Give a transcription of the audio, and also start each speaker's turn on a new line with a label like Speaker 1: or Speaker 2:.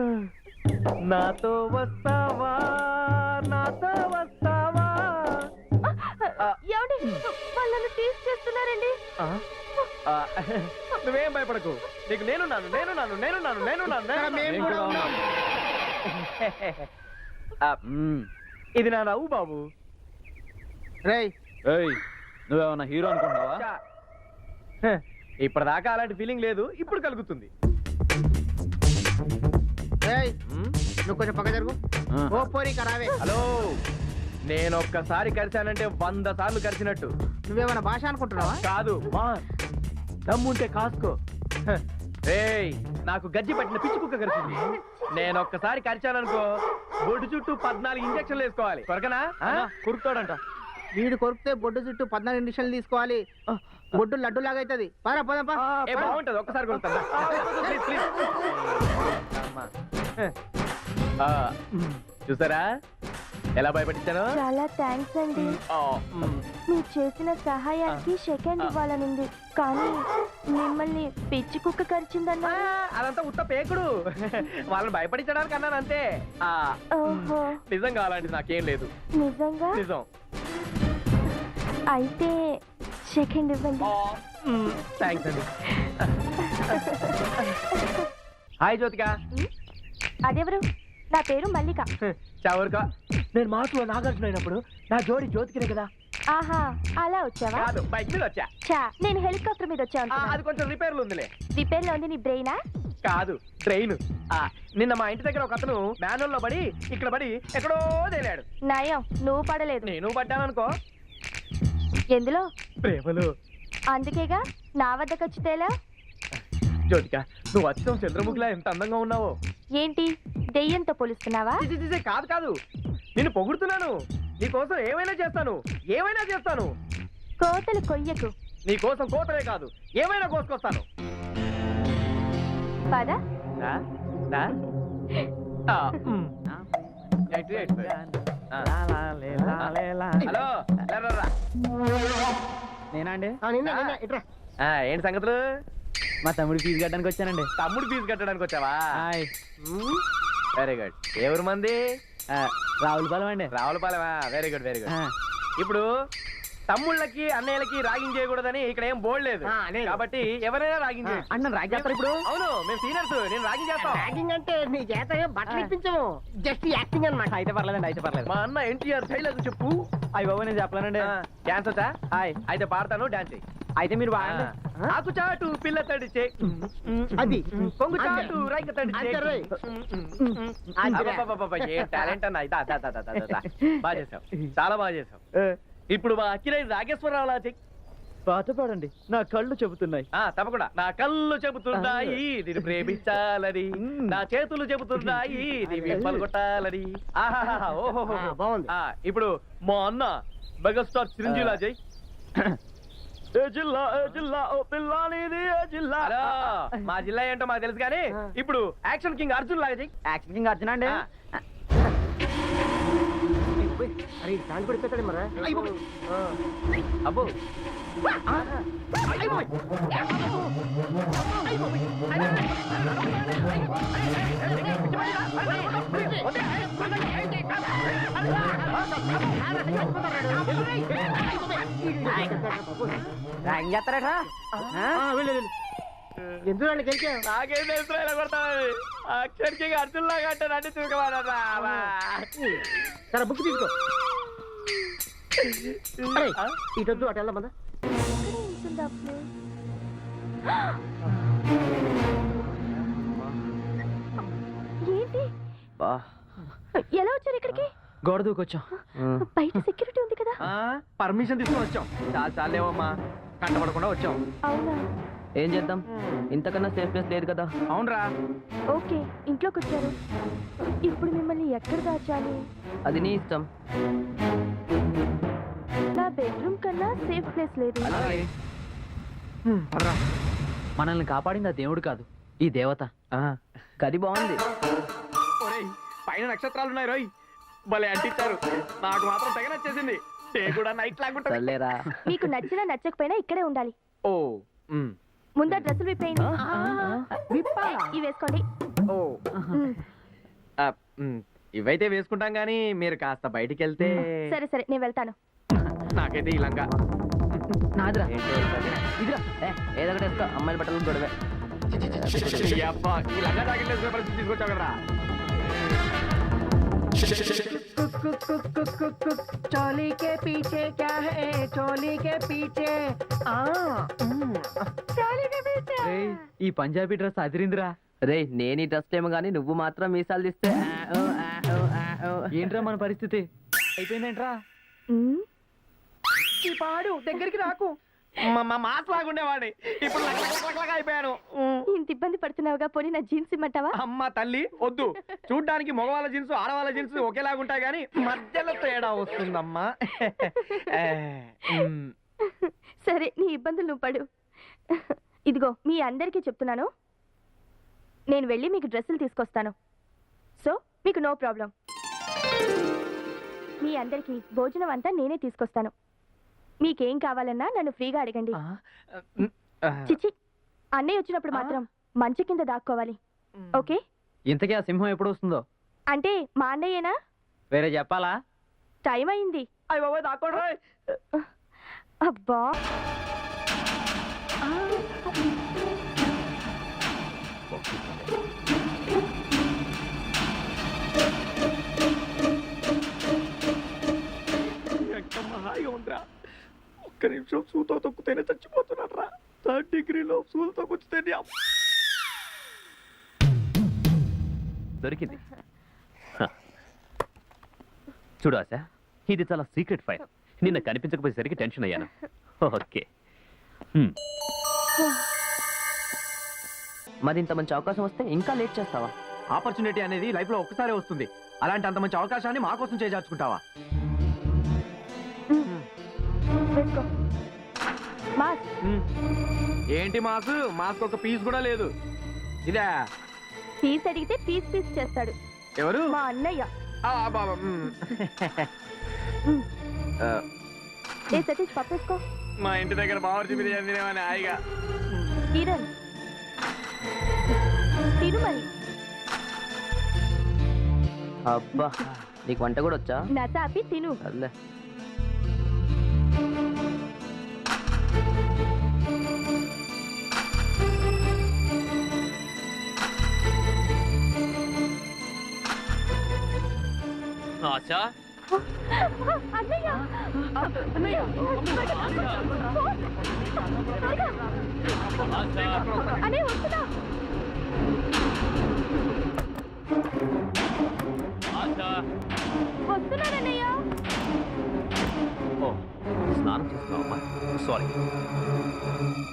Speaker 1: నాతో వస్తావా నాతో వస్తావా?
Speaker 2: ఏమండి వాళ్ళని టీస్ చేస్తున్నారండి.
Speaker 1: నువ్వేం భయపడకు, నీకు నేనున్నాను నేనున్నాను నేనున్నాను నేనున్నాను. ఇది నా నవ్వు బాబు.
Speaker 3: రేయ్ నువ్వేమన్నా హీరో అనుకుంటున్నావా?
Speaker 1: ఇప్పటిదాకా అలాంటి ఫీలింగ్ లేదు, ఇప్పుడు కలుగుతుంది.
Speaker 3: నువ్వు కొంచెం పక్క జరుగు. ఓ పోరి కరావే.
Speaker 1: హలో, నేను ఒక్కసారి కరిచానంటే 100 సార్లు కరిచినట్టు.
Speaker 3: నువ్వేమన్నా భాష అనుకుంటున్నావా?
Speaker 1: కాదు, మా దమ్ముంటే కాసుకో. ఏయ్, నాకు గజ్జి పట్టిన పిచ్చి కుక్క కరిచింది. నేను ఒక్కసారి కరిచాననుకో, బొడ్డు చుట్టూ 14 ఇంజక్షన్లు వేసుకోవాలి. కొరకనా? కురుకుతాడంట.
Speaker 3: వీడు కొరికితే బొడ్డు చుట్టూ 14 ఇంజక్షన్లు తీసుకోవాలి. బొడ్డు లడ్డు లాగా అవుతుంది.
Speaker 1: బాగుంటది, ఒక్కసారి కొడుతాను. చూసారా ఎలా భయపడించాను?
Speaker 2: చాలా థ్యాంక్స్ అండి. మీరు చేసిన సహాయానికి సెకండ్ ఇవ్వాలనుంది, కానీ మిమ్మల్ని పిచ్చి కుక్క కరిచిందన్నా.
Speaker 1: అదంతా ఉత్త పేకుడు. వాళ్ళని భయపడించడానికి అన్నాను అంతే.
Speaker 2: ఓహో,
Speaker 1: నిజం కావాలంటే నాకేం లేదు.
Speaker 2: నిజంగా?
Speaker 1: నిజం.
Speaker 2: అయితే సెకండ్ ఇవ్వండి.
Speaker 1: థ్యాంక్స్ అండి. హాయ్ జ్యోతిక.
Speaker 2: అదెవరు? నా పేరు మల్లిక.
Speaker 1: చవరుక, నేను మాటలో నాగార్జున అయినప్పుడు నా జోడి జ్యోతికనే కదా.
Speaker 2: ఆహా, అలా వచ్చావా?
Speaker 1: కాదు, బైక్ మీద వచ్చా.
Speaker 2: నేను హెలికాప్టర్ మీద వచ్చా.
Speaker 1: అది కొంచెం రిపేర్లు ఉందిలే.
Speaker 2: రిపేర్ లో ఉంది నీ బ్రెయినా?
Speaker 1: కాదు, ట్రైన్. నిన్న మా ఇంటి దగ్గర ఒక అతను మ్యానువల్ లో పడి ఇక్కడ పడి ఎక్కడో తేలాడు.
Speaker 2: నయం, నువ్వు పడలేదు.
Speaker 1: నేను పడ్డాననుకో.
Speaker 2: ఎందులో?
Speaker 1: ప్రేమలో.
Speaker 2: అందుకేగా నా వద్దకు వచ్చి తేలా.
Speaker 1: జ్యోతిక, నువ్వు వచ్చావు చంద్రముఖిలా ఎంత అందంగా ఉన్నావో.
Speaker 2: ఏంటి దెయ్యంతో పోలుస్తున్నావా?
Speaker 1: కాదు కాదు, నిన్ను పొగుడుతున్నాను. నీకోసం ఏమైనా చేస్తాను, ఏమైనా చేస్తాను.
Speaker 2: కోతలు కొయ్యకు.
Speaker 1: నీకోసం కోతలే కాదు, ఏమైనా కోసుకొస్తాను.
Speaker 2: పద.
Speaker 1: హలో,
Speaker 3: నేనా అండి?
Speaker 1: ఏంటి సంగతులు?
Speaker 3: మా తమ్ముడు ఫీజు కట్టడానికి వచ్చానండి.
Speaker 1: తమ్ముడు ఫీజు కట్టడానికి వచ్చావా? Very good. ఎవరు మంది?
Speaker 3: రావులపాలెం అండి.
Speaker 1: రావులపాలెమా? Very good very good. ఇప్పుడు తమ్ముళ్ళకి అన్నయ్యలకి రాగింగ్ చేయకూడదని ఇక్కడ ఏం బోర్డు లేదు కాబట్టి ఎవరైనా రాగింగ్ చేయొచ్చు.
Speaker 3: అన్న రాగి చేస్తారు ఇప్పుడు?
Speaker 1: అవును, మేము సీనియర్స్, నేను రాగింగ్ చేస్తాం.
Speaker 3: రాగింగ్ అంటే నీ చేత బట్టలు ఇప్పించము, జస్ట్ యాక్టింగ్ అన్నమాట. అయితే పర్లేదండి, అయితే పర్లేదు.
Speaker 1: మా అన్న ఎన్టీఆర్ శైలకు చెప్పు.
Speaker 3: అయ్యి బాబు, నేను చెప్పలేనండి.
Speaker 1: డాన్స్ వచ్చా? అయితే పాడతాను, డాన్స్ చెయ్యి.
Speaker 3: అయితే మీరు బాగా
Speaker 1: ఆకు చాటు పిల్ల తడిచే,
Speaker 3: అది
Speaker 1: కొంగు చాటు రైక తడిచే. టాలెంట్ అన్న. బాగా చేసావు, చాలా బాగా చేసావు. ఇప్పుడు మా అక్కినేని నాగేశ్వరరావు లా చెయ్యి.
Speaker 3: పాట పాడండి, నా కళ్ళు చెబుతున్నాయి.
Speaker 1: తప్పకుండా. నా కళ్ళు చెబుతున్నాయి నేను ప్రేమించాలని, నా చేతులు చెబుతున్నాయి నీ విప్పలు కొట్టాలని. ఓహో
Speaker 3: బాగుంది.
Speaker 1: ఇప్పుడు మా అన్న మెగాస్టార్ చిరంజీవి లా చెయ్యి. మా జిల్లా ఏంటో మాకు తెలుసు కానీ ఇప్పుడు యాక్షన్ కింగ్ అర్జున్ లాగా చెయ్యి.
Speaker 3: యాక్షన్ కింగ్ అర్జున్ అండి.
Speaker 1: అబ్బో,
Speaker 3: చేస్తారా? ఎందుకు గెలిచా?
Speaker 1: నాకేం తెలుసు ఇలా కొడతామని. యాక్షన్ కింగ్ అర్జున్ లాగా అంటే రండి చూసుకోవాలరా.
Speaker 3: సరే బుక్ తీసుకో. ఇటొద్దు, అటు వెళ్దాం కదా.
Speaker 2: ఏంటి ఎలా వచ్చారు ఇక్కడికి?
Speaker 3: గోడ దూకొచ్చాం.
Speaker 2: బయట సెక్యూరిటీ ఉంది కదా.
Speaker 1: పర్మిషన్ తీసుకొని వచ్చాం. చాలా చాలేవమ్మా, కంటపడకుండా వచ్చాం.
Speaker 2: అవునా?
Speaker 3: ఏం చేద్దాం, ఇంతకన్నా సేఫ్ ప్లేస్ లేదు కదా.
Speaker 1: అవునరా.
Speaker 2: ఓకే, ఇంట్లోకి వచ్చారు. ఇప్పుడు మిమ్మల్ని ఎక్కడ దాచాలి?
Speaker 3: అది నీ ఇష్టం.
Speaker 2: నా బెడ్రూమ్ కన్నా సేఫ్ ప్లేస్ లేదు.
Speaker 3: మనల్ని కాపాడింది ఆ దేవుడు కాదు, ఈ దేవత. గది బాగుంది.
Speaker 1: పైన నక్షత్రాలు ఉన్నాయి రోయ్, భలే అంటించారు. నాకు మాత్రం తెగ నచ్చేసింది. కూడా నైట్ లాగుంటుంది.
Speaker 2: మీకు నచ్చినా నచ్చకపోయినా ఇక్కడే ఉండాలి.
Speaker 1: ఓ,
Speaker 2: ముందర డ్రెస్సులు విప్పేయండి. ఇవి వేసుకోండి.
Speaker 1: ఓ, ఇవైతే వేసుకుంటాం కానీ మీరు కాస్త బయటికి వెళ్తే
Speaker 2: సరే సరే నేను వెళ్తాను.
Speaker 1: నాకైతే ఈ లంగా
Speaker 3: నాదిరా ఇదిరా ఏదో ఒకటి వేసుకో, అమ్మాయిల బట్టలు గొడవే.
Speaker 1: అబ్బా, ఈ లంగా జాకెట్ వేసుకునే పరిస్థితి తీసుకొచ్చావు కదరా.
Speaker 4: चोली के पीछे क्या है चोली के पीछे चोली के पीछे
Speaker 3: ఏయ్, ఈ పంజాబీ డ్రెస్ అదిరిందిరా.
Speaker 5: రే నేను ఈ డ్రెస్ ఏమో కానీ నువ్వు మాత్రం మీసాలు తీస్తే
Speaker 3: ఏంట్రా మన పరిస్థితి? అయిపోయిందేంట్రా?
Speaker 2: మ్,
Speaker 4: ఈ పాడు దగ్గరికి రాకు.
Speaker 1: మాస్ లాగుండేవాడిని ఇప్పుడు లగలగలగలగలగా అయిపోయాను.
Speaker 2: ఇంత ఇబ్బంది పడుతున్నావుగా, పోనీ నా జీన్స్ ఇమ్మంటావా?
Speaker 1: అమ్మ తల్లి వద్దు. చూడ్డానికి మగవాళ్ళ జీన్స్ ఆడవాళ్ళ జీన్స్ ఒకేలాగుంటాయి కానీ మధ్యలో తేడా వస్తుందమ్మా.
Speaker 2: సరే నీ ఇబ్బందులు నువ్వు పడు. ఇదిగో మీ అందరికీ చెప్తున్నాను, నేను వెళ్ళి మీకు డ్రెస్సులు తీసుకొస్తాను. సో మీకు నో ప్రాబ్లం. మీ అందరికీ భోజనం అంతా నేనే తీసుకొస్తాను. మీకేం కావాలన్నా నన్ను ఫ్రీగా అడగండి. చిచి, అన్నయ్య వచ్చినప్పుడు మాత్రం మంచు కింద దాక్కోవాలి, ఓకే?
Speaker 3: ఇంతకీ ఆ సింహం ఎప్పుడు వస్తుందో?
Speaker 2: అంటే మా అన్నయ్యేనా?
Speaker 3: వేరే చెప్పాలా?
Speaker 2: టైం అయింది.
Speaker 1: అయ్య బాబాయ్ దాక్కోడ్రా.
Speaker 2: అబ్బా
Speaker 1: ఎంత హాయిగా ఉందిరా. ఒక్క నిమిషం సూతో తొక్కుతేనే చచ్చిపోతున్నాడు రా. 3rd డిగ్రీలో సూతో కూర్చుతేనే
Speaker 6: దొరికింది. చూడు ఆశ, ఇది చాలా సీక్రెట్ ఫైల్. నిన్న కనిపించకపోయేసరికి టెన్షన్ అయ్యాను. ఓకే,
Speaker 5: మరి ఇంత మంచి అవకాశం వస్తే ఇంకా లేట్ చేస్తావా?
Speaker 1: ఆపర్చునిటీ అనేది లైఫ్ లో ఒక్కసారే వస్తుంది. అలాంటి అంత మంచి అవకాశాన్ని మా కోసం చేజార్చుకుంటావా?
Speaker 2: వేసుకో. మాస్
Speaker 1: ఏంటి మాకు మాకు ఒక పీస్ కూడా లేదు. ఇదే
Speaker 2: పీస్ అడిగితే పీస్ పీస్ చేస్తాడు
Speaker 1: ఎవరు?
Speaker 2: మా అన్నయ్య.
Speaker 1: బాబా.
Speaker 2: ఏ సతీష్ పప్పేసుకో.
Speaker 1: మా ఇంటి దగ్గర బావర్చి బిర్యానీ తినేమని హాయిగా.
Speaker 2: కిరణ్ తిను మరి.
Speaker 5: అబ్బా, నీకు వంట కూడా వచ్చా?
Speaker 2: నసాపి తిను.
Speaker 5: అల్లే
Speaker 6: ఆశ,
Speaker 2: అన్నయ్య అన్నయ్య వస్తున్నా. వస్తున్నానన్నయ్య.
Speaker 6: ఓ స్నానం చేస్తున్నావమ్మా? సారీ.